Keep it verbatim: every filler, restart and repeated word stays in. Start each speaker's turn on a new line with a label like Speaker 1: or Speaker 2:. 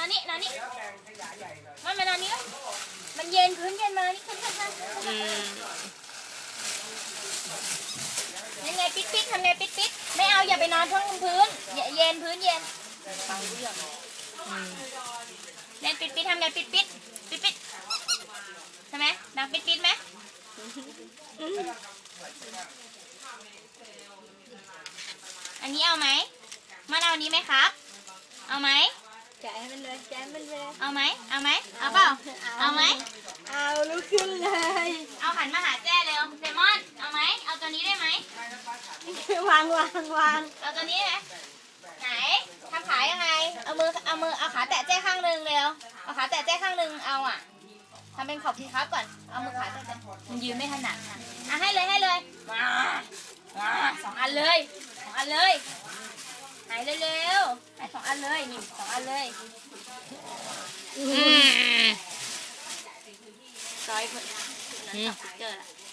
Speaker 1: อนนี่นอนนี่มันมานอนนี่มันเย็นพื้นเย็นมานี่ขึ้นขึ้นขึ้นยังไงปิดปิดทำไงปิดปิดไม่เอาอย่าไปนอนท้องพื้นเย็นพื้นเย็นฟังเรื่องเล่นปิดปิดทำไงปิดปิดปิดปิดใช่ไหมดังปิดปิดไหมอันนี้เอาไหมมันเอานี้ไหมครับเอาไหม
Speaker 2: แกะมันเลยแกะมันเลย
Speaker 1: เอาไหมเอาไหมเอาเปล่าเอาไหม
Speaker 2: เอาลุกขึ้นเลย
Speaker 1: เอาหันมาหาแจ้เร็วเซมอนเอาไหมเอาตัวนี้ได้ไหม
Speaker 2: วางวางวาง
Speaker 1: เอาตัวนี้ไหมไหนทำขายังไงเอามือเอามือเอาขาแตะแจ้ข้างหนึ่งเร็วเอาขาแตะแจ้ข้างหนึ่งเอาอ่ะทำเป็นขอบทีครับก่อนเอามือขาแตะแจ้มันยืนไม่ถนัดอ่ะอ่ะให้เลยให้เลยมามาสองอันเลยสองอันเลยไหนเร็วๆให้สองอันเลยนี่สองอันเลยอืมซอยเพื่อนนั่นตัดเจอละ